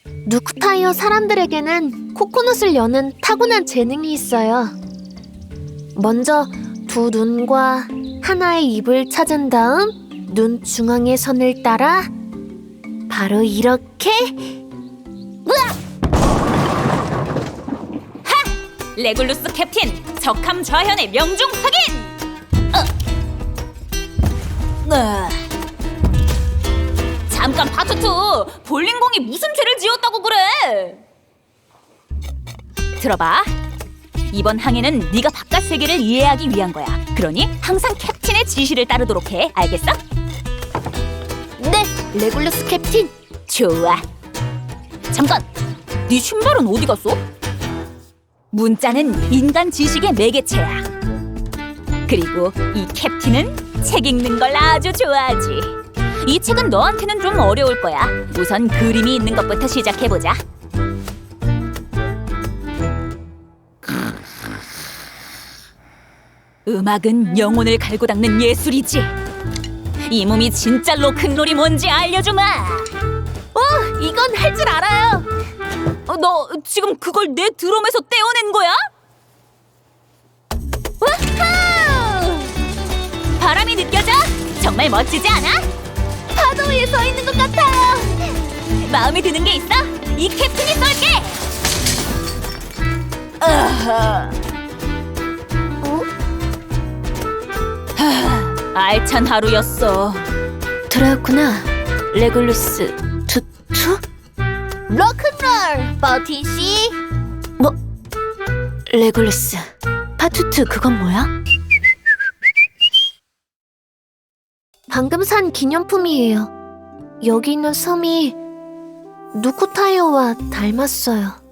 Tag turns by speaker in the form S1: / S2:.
S1: 누쿠타이어 사람들에게는 코코넛을 여는 타고난 재능이 있어요. 먼저 두 눈과 하나의 입을 찾은 다음 눈 중앙의 선을 따라 바로 이렇게.
S2: 레굴루스 캡틴, 적함 좌현의 명중 확인! 잠깐 파투투, 볼링공이 무슨 죄를 지었다고 그래? 들어봐. 이번 항해는 네가 바깥 세계를 이해하기 위한 거야. 그러니 항상 캡틴의 지시를 따르도록 해. 알겠어?
S1: 네, 레굴루스 캡틴.
S2: 좋아. 잠깐! 네 신발은 어디 갔어? 문자는 인간 지식의 매개체야. 그리고 이 캡틴은 책 읽는 걸 아주 좋아하지. 이 책은 너한테는 좀 어려울 거야. 우선 그림이 있는 것부터 시작해보자. 음악은 영혼을 갈고 닦는 예술이지. 이 몸이 진짜 로큰롤이 뭔지 알려주마.
S1: 이건 할 줄 알아요.
S2: 너 지금 그걸 내 드럼에서 떼어낸 거야? 와우! 바람이 느껴져? 정말 멋지지 않아?
S1: 파도 위에 서 있는 것 같아요.
S2: 마음에 드는 게 있어? 이 캡틴이 쏠게! 알찬 하루였어.
S1: 들어왔구나, 레굴루스 투투? 로큰롤, 버티씨. 뭐? 레굴루스, 파투투 그건 뭐야? 방금 산 기념품이에요. 여기 있는 섬이 누쿠타이어와 닮았어요.